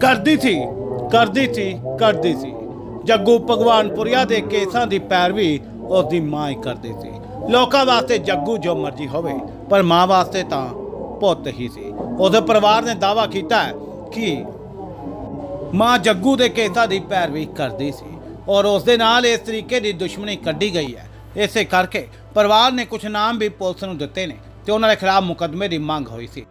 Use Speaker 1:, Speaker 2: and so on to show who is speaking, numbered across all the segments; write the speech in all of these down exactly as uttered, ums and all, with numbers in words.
Speaker 1: ਕਰਦੀ ਸੀ ਕਰਦੀ ਸੀ ਕਰਦੀ ਸੀ ਜੱਗੂ ਭਗਵਾਨਪੁਰੀਆ ਦੇ ਕੇਸਾਂ ਦੀ ਪੈਰਵੀ ਉਸ ਦੀ ਮਾਂ ਹੀ ਕਰਦੀ ਸੀ। ਲੋਕਾਂ ਵਾਸਤੇ ਜੱਗੂ ਜੋ ਮਰਜ਼ੀ ਹੋਵੇ, ਪਰ ਮਾਂ ਵਾਸਤੇ ਤਾਂ ਪੁੱਤ ਹੀ ਸੀ। ਉਹਦੇ ਪਰਿਵਾਰ ਨੇ ਦਾਅਵਾ ਕੀਤਾ ਹੈ ਕਿ ਮਾਂ ਜੱਗੂ ਦੇ ਕੇਸਾਂ ਦੀ ਪੈਰਵੀ ਕਰਦੀ ਸੀ ਔਰ ਉਸ ਦੇ ਨਾਲ ਇਸ ਤਰੀਕੇ ਦੀ ਦੁਸ਼ਮਣੀ ਕੱਢੀ ਗਈ ਹੈ। ਇਸੇ ਕਰਕੇ ਪਰਿਵਾਰ ਨੇ ਕੁਝ ਨਾਮ ਵੀ ਪੁਲਿਸ ਨੂੰ ਦਿੱਤੇ ਨੇ ਤੇ ਉਹਨਾਂ ਦੇ ਖਿਲਾਫ ਮੁਕੱਦਮੇ ਦੀ ਮੰਗ ਹੋਈ ਸੀ।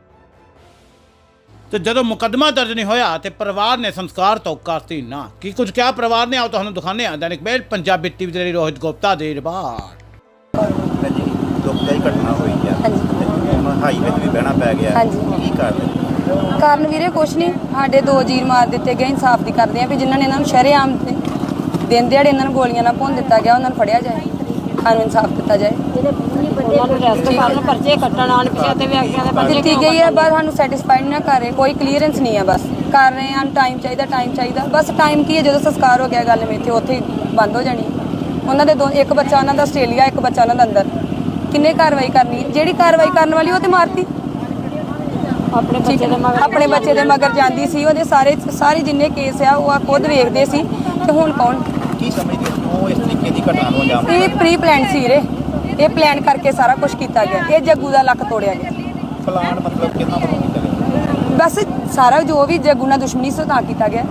Speaker 1: ਤੇ ਜਦੋਂ ਮੁਕੱਦਮਾ ਦਰਜ ਨਹੀਂ ਹੋਇਆ ਤੇ ਪਰਿਵਾਰ ਨੇ ਸੰਸਕਾਰ ਤੋਂ ਕਰਤੀ ਨਾ। ਕੀ ਕੁਝ ਕਿਹਾ ਪਰਿਵਾਰ ਨੇ, ਆਓ ਤੁਹਾਨੂੰ ਦਿਖਾਉਂਦੇ ਹਾਂ। ਦੈਨਿਕ ਮੇਲ ਪੰਜਾਬੀ ਟੀਵੀ ਦੇ ਲਈ ਰੋਹਿਤ ਗੁਪਤਾ ਦੀ ਰਿਪੋਰਟ।
Speaker 2: ਜੀ ਦੁਖਦਾਈ ਘਟਨਾ ਹੋਈ ਆ। ਹਾਂਜੀ ਹਾਈਵੇ ਤੇ ਵੀ ਬਹਿਣਾ ਪੈ ਗਿਆ।
Speaker 3: ਹਾਂਜੀ
Speaker 2: ਕੀ ਕਾਰਨ?
Speaker 3: ਕਾਰਨ ਵੀਰੇ ਕੁਛ ਨਹੀਂ, ਸਾਡੇ ਦੋ ਜੀਰ ਮਾਰ ਦਿੱਤੇ ਗਏ। ਇਨਸਾਫ ਦੀ ਕਰਦੇ ਆ ਵੀ ਜਿਨ੍ਹਾਂ ਨੇ ਇਹਨਾਂ ਨੂੰ ਸ਼ਰੇਆਮ ਦਿਨ ਦਿਹਾੜੇ ਇਹਨਾਂ ਨੂੰ ਗੋਲੀਆਂ ਨਾਲ ਭੁੰਨ ਦਿੱਤਾ ਗਿਆ, ਉਹਨਾਂ ਨੂੰ ਫੜਿਆ ਜਾਏ, ਸਾਨੂੰ ਇਨਸਾਫ ਦਿੱਤਾ ਜਾਏ।
Speaker 4: ਉਹਨਾਂ ਨੂੰ ਰੈਸਟ ਕਰਨ, ਪਰਚੇ ਕੱਟਣ ਆਣ ਪਿਛੇ ਤੇ ਵਿਅਕਤੀਆਂ ਦੇ ਪਰਚੇ
Speaker 3: ਦਿੱਤੀ ਗਈ ਹੈ, ਬਸ ਸਾਨੂੰ ਸੈਟੀਸਫਾਈਡ ਨਾ ਕਰ ਰਹੇ, ਕੋਈ ਕਲੀਅਰੈਂਸ ਨਹੀਂ ਹੈ। ਬਸ ਕਰ ਰਹੇ ਹਾਂ, ਟਾਈਮ ਚਾਹੀਦਾ ਟਾਈਮ ਚਾਹੀਦਾ ਬਸ ਟਾਈਮ ਕੀ ਹੈ, ਜਦੋਂ ਸੰਸਕਾਰ ਹੋ ਗਿਆ ਗੱਲ ਮੇਥੇ ਉੱਥੇ ਹੀ ਬੰਦ ਹੋ ਜਾਣੀ। ਉਹਨਾਂ ਦੇ ਦੋ, ਇੱਕ ਬੱਚਾ ਉਹਨਾਂ ਦਾ ਆਸਟ੍ਰੇਲੀਆ, ਇੱਕ ਬੱਚਾ ਉਹਨਾਂ ਦਾ ਅੰਦਰ। ਕਿੰਨੇ ਕਾਰਵਾਈ ਕਰਨੀ? ਜਿਹੜੀ ਕਾਰਵਾਈ ਕਰਨ ਵਾਲੀ ਉਹ ਤੇ ਮਾਰਤੀ।
Speaker 4: ਆਪਣੇ ਬੱਚੇ ਦੇ ਮਗਰ
Speaker 3: ਆਪਣੇ ਬੱਚੇ ਦੇ ਮਗਰ ਜਾਂਦੀ ਸੀ। ਉਹਦੇ ਸਾਰੇ ਸਾਰੇ ਜਿੰਨੇ ਕੇਸ ਆ ਉਹ ਆ ਖੁਦ ਵੇਖਦੇ ਸੀ। ਤੇ ਹੁਣ ਕੌਣ
Speaker 2: ਕੀ ਸਮਝਦੇ ਹੋ ਇਸ ਤਰੀਕੇ ਦੀ ਘਟਨਾ ਨੂੰ ਅੰਜਾਮ
Speaker 3: ਇਹ ਪ੍ਰੀ ਪਲਾਨ ਸੀ ਰੇ, ਇਹ ਪਲਾਨ ਕਰਕੇ ਸਾਰਾ ਕੁਝ ਕੀਤਾ ਗਿਆ। ਇਹ ਜੱਗੂ ਦਾ ਲੱਕ ਤੋੜਿਆ ਗਿਆ।
Speaker 2: ਪਲਾਨ ਮਤਲਬ ਕਿੰਨਾ ਵੱਲੋਂ ਕੀਤਾ ਗਿਆ?
Speaker 3: ਬਸ ਸਾਰਾ ਜੋ ਵੀ ਜੱਗੂ ਨਾਲ ਦੁਸ਼ਮਣੀ ਸੀ ਤਾਂ ਕੀਤਾ ਗਿਆ।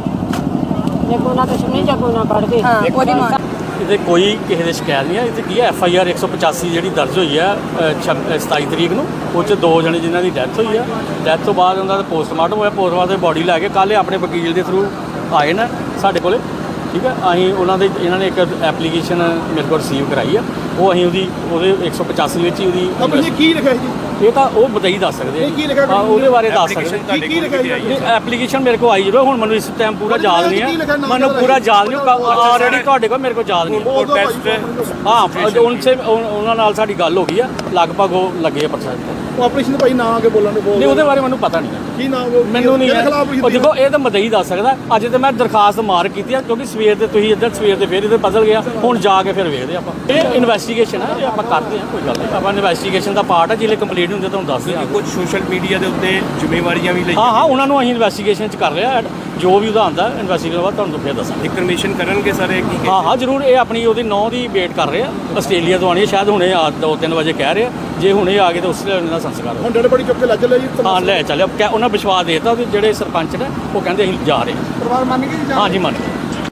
Speaker 4: ਜੱਗੂ ਨਾਲ ਦੁਸ਼ਮਣੀ, ਜੱਗੂ ਨਾਲ ਪੜ ਗਏ।
Speaker 3: ਹਾਂ ਉਹਦੀ ਮਾਂ।
Speaker 5: ਇਹਦੇ ਕੋਈ ਕਿਸੇ ਦੇ ਸ਼ਿਕਾਇਤ ਨਹੀਂ ਹੈ। ਇਹਦੇ ਕੀ ਹੈ, ਐਫ ਆਈ ਆਰ ਇੱਕ ਸੌ ਪਚਾਸੀ ਜਿਹੜੀ ਦਰਜ ਹੋਈ ਹੈ ਸਤਾਈ ਤਰੀਕ ਨੂੰ, ਉਹ 'ਚ ਦੋ ਜਣੇ ਜਿਨ੍ਹਾਂ ਦੀ ਡੈਥ ਹੋਈ ਹੈ। ਡੈਥ ਤੋਂ ਬਾਅਦ ਉਹਨਾਂ ਦਾ ਪੋਸਟਮਾਰਟਮ ਹੋਇਆ। ਪੋਸਟਮਾਰਟਮ ਦੀ ਬੋਡੀ ਲੈ ਕੇ ਕੱਲ੍ਹ ਆਪਣੇ ਵਕੀਲ ਦੇ ਥਰੂ ਆਏ ਨੇ ਸਾਡੇ ਕੋਲੇ। ਠੀਕ ਹੈ, ਅਸੀਂ ਉਹਨਾਂ ਦੇ ਇਹਨਾਂ ਨੇ ਇੱਕ ਐਪਲੀਕੇਸ਼ਨ ਮੇਰੇ ਕੋਲ ਰਿਸੀਵ ਕਰਾਈ ਆ। ਉਹ ਅਸੀਂ ਉਹਦੀ ਉਹਦੇ ਇੱਕ ਸੌ ਪਚਾਸੀ ਵਿੱਚ ਹੀ ਉਹਦੀ
Speaker 6: ਕੀ ਲਿਖਿਆ ਜੀ?
Speaker 5: ਇਹ ਤਾਂ ਉਹ ਬਤਾਈ ਦੱਸ ਸਕਦੇ ਆ।
Speaker 6: ਕੀ ਲਿਖਿਆ?
Speaker 5: ਹਾਂ ਉਹਦੇ ਬਾਰੇ ਦੱਸ ਸਕਦੇ।
Speaker 6: ਕੀ ਕੀ ਲਿਖਿਆ ਜੀ?
Speaker 5: ਐਪਲੀਕੇਸ਼ਨ ਮੇਰੇ ਕੋਲ ਆਈ ਜਦੋਂ, ਹੁਣ ਮੈਨੂੰ ਇਸ ਟਾਈਮ ਪੂਰਾ ਯਾਦ ਨਹੀਂ ਹੈ। ਮੈਨੂੰ ਪੂਰਾ ਯਾਦ ਨਹੀਂ, ਆਲਰੇਡੀ ਤੁਹਾਡੇ ਕੋਲ ਮੇਰੇ ਕੋਲ ਯਾਦ ਨਹੀਂ। ਹਾਂ ਉਹਨਾਂ ਉਹਨਾਂ ਨਾਲ ਸਾਡੀ ਗੱਲ ਹੋ ਗਈ ਆ, ਲਗਭਗ ਉਹ ਲੱਗੇ ਆ ਪ੍ਰੋਸੈਸ।
Speaker 6: ਉਹ ਆਪਰੇਸ਼ਨ ਭਾਈ ਨਾ ਆ ਕੇ ਬੋਲਣ ਦੇ ਬੋਲ
Speaker 5: ਨਹੀਂ, ਉਹਦੇ ਬਾਰੇ ਮੈਨੂੰ ਪਤਾ ਨਹੀਂ ਹੈ।
Speaker 6: ਕੀ ਨਾਮ
Speaker 5: ਮੈਨੂੰ ਨਹੀਂ ਹੈ। ਉਹ ਦੇਖੋ, ਇਹ ਤਾਂ ਮਦਈ ਦੱਸ ਸਕਦਾ। ਅੱਜ ਤੇ ਮੈਂ ਦਰਖਾਸਤ ਮਾਰ ਕੀਤੀ ਆ, ਕਿਉਂਕਿ ਸਵੇਰ ਤੇ ਤੁਸੀਂ ਇੱਧਰ ਸਵੇਰ ਤੇ ਫਿਰ ਇੱਧਰ ਬਦਲ ਗਿਆ। ਹੁਣ ਜਾ ਕੇ ਫਿਰ ਵੇਖਦੇ ਆਪਾਂ। ਇਹ ਇਨਵੈਸਟੀਗੇਸ਼ਨ ਹੈ, ਇਹ ਆਪਾਂ ਕਰਦੇ ਹਾਂ, ਕੋਈ ਗੱਲ ਨਹੀਂ। ਆਪਾਂ ਇਨਵੈਸਟੀਗੇਸ਼ਨ ਦਾ ਪਾਰਟ ਹੈ। ਜਿਹੜੇ ਕੰਪਲੀਟ ਹੁੰਦੇ ਤੁਹਾਨੂੰ ਦੱਸ ਦਿਆਂ।
Speaker 7: ਕੁਝ ਸੋਸ਼ਲ ਮੀਡੀਆ ਦੇ ਉੱਤੇ ਜ਼ਿੰਮੇਵਾਰੀਆਂ ਵੀ ਲਈ
Speaker 5: ਹਾਂ ਹਾਂ ਉਹਨਾਂ ਨੂੰ ਅਸੀਂ ਇਨਵੈਸਟੀਗੇਸ਼ਨ 'ਚ ਕਰ ਰਹੇ ਹਾਂ। ਜੋ ਵੀ ਉਹਦਾ ਆਉਂਦਾ ਇਨਵੈਸਟੀਗੇਸ਼ਨ ਬਾਅਦ ਤੁਹਾਨੂੰ ਫਿਰ ਦੱਸਾਂਗੇ।
Speaker 7: ਇਨਫੋਰਮੇਸ਼ਨ ਕਰਨਗੇ ਸਾਰੇ ਕੀ?
Speaker 5: ਹਾਂ ਹਾਂ ਜ਼ਰੂਰ। ਇਹ ਆਪਣੀ ਉਹਦੀ ਨੌਂ ਦੀ ਵੇਟ ਕਰ ਰਹੇ ਆ। ਆਸਟ੍ਰੇਲੀਆ ਤੋਂ ਆਉਣੀ ਹੈ, ਸ਼ਾਇਦ ਹੁਣੇ ਆ ਦੋ ਤਿੰਨ ਵਜੇ ਕਹਿ ਰਹੇ ਆ। ਜੇ ਹੁਣੇ ਆ ਗਏ ਤਾਂ ਉਸ ਵੇਲੇ ਉਹਨਾਂ ਦਾ ਸੰਸਕਾਰ
Speaker 6: ਹੁਣ ਡੜ ਬੜੀ ਚੁੱਕ ਕੇ ਲੱਜ ਲਿਆ ਜੀ।
Speaker 5: ਹਾਂ ਲੈ ਚੱਲਿਆ। ਕਹਿ ਉਹਨਾਂ ਵਿਸ਼ਵਾਸ ਦੇ ਦਿੱਤਾ। ਜਿਹੜੇ ਸਰਪੰਚ ਨੇ ਉਹ ਕਹਿੰਦੇ ਅਸੀਂ ਜਾ ਰਹੇ ਹਾਂ।
Speaker 6: ਪਰਿਵਾਰ ਮੰਨ ਗਏ ਜੀ?
Speaker 5: ਹਾਂ ਜੀ ਮੰਨ ਗਏ।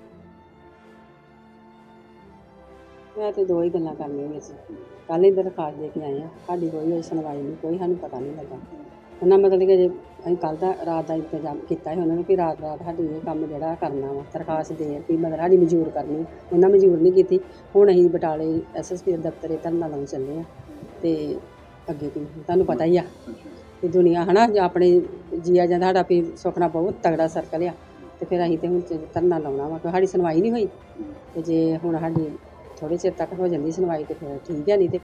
Speaker 4: ਮੈਂ ਤੇ ਦੋ ਹੀ ਗੱਲਾਂ ਕਰਨੀਆਂ ਵਿੱਚ। ਕੱਲ੍ਹ ਹੀ ਦਰਖਾਸਤ ਦੇ ਕੇ ਆਏ ਹਾਂ, ਸਾਡੀ ਕੋਈ ਹੋਈ ਸੁਣਵਾਈ ਨਹੀਂ, ਕੋਈ ਸਾਨੂੰ ਪਤਾ ਨਹੀਂ ਲੱਗਾ। ਉਹਨਾਂ ਮਤਲਬ ਕਿ ਜੇ ਅਸੀਂ ਕੱਲ੍ਹ ਦਾ ਰਾਤ ਦਾ ਇੰਤਜ਼ਾਮ ਕੀਤਾ ਸੀ ਉਹਨਾਂ ਨੇ ਵੀ ਰਾਤ ਰਾਤ ਸਾਡੀ ਇਹ ਕੰਮ ਜਿਹੜਾ ਕਰਨਾ ਵਾ, ਦਰਖਾਸਤ ਦੇ ਵੀ ਮਤਲਬ ਸਾਡੀ ਮਨਜ਼ੂਰ ਕਰਨੀ। ਉਹਨਾਂ ਮਨਜ਼ੂਰ ਨਹੀਂ ਕੀਤੀ। ਹੁਣ ਅਸੀਂ ਬਟਾਲੇ ਐਸ ਐਸ ਪੀ ਦੇ ਦਫ਼ਤਰੇ ਧਰਨਾ ਲਾਉਣ ਚੱਲੇ ਹਾਂ। ਅਤੇ ਅੱਗੇ ਕੀ ਤੁਹਾਨੂੰ ਪਤਾ ਹੀ ਆ ਕਿ ਦੁਨੀਆ ਹੈ ਨਾ, ਆਪਣੇ ਜੀਆ ਜਾਂਦਾ ਸਾਡਾ ਵੀ ਸੁਖਣਾ ਬਹੁਤ ਤਗੜਾ ਸਰਕਲ ਆ। ਅਤੇ ਫਿਰ ਅਸੀਂ ਤਾਂ ਹੁਣ ਧਰਨਾ ਲਾਉਣਾ ਵਾ, ਕਿਉਂਕਿ ਸਾਡੀ ਸੁਣਵਾਈ ਨਹੀਂ ਹੋਈ। ਅਤੇ ਜੇ ਹੁਣ ਸਾਡੀ ਥੋੜ੍ਹੇ ਚਿਰ ਤੱਕ ਹੋ ਜਾਂਦੀ ਸੁਣਵਾਈ ਤਾਂ ਫਿਰ ਠੀਕ ਹੈ, ਨਹੀਂ ਤੇ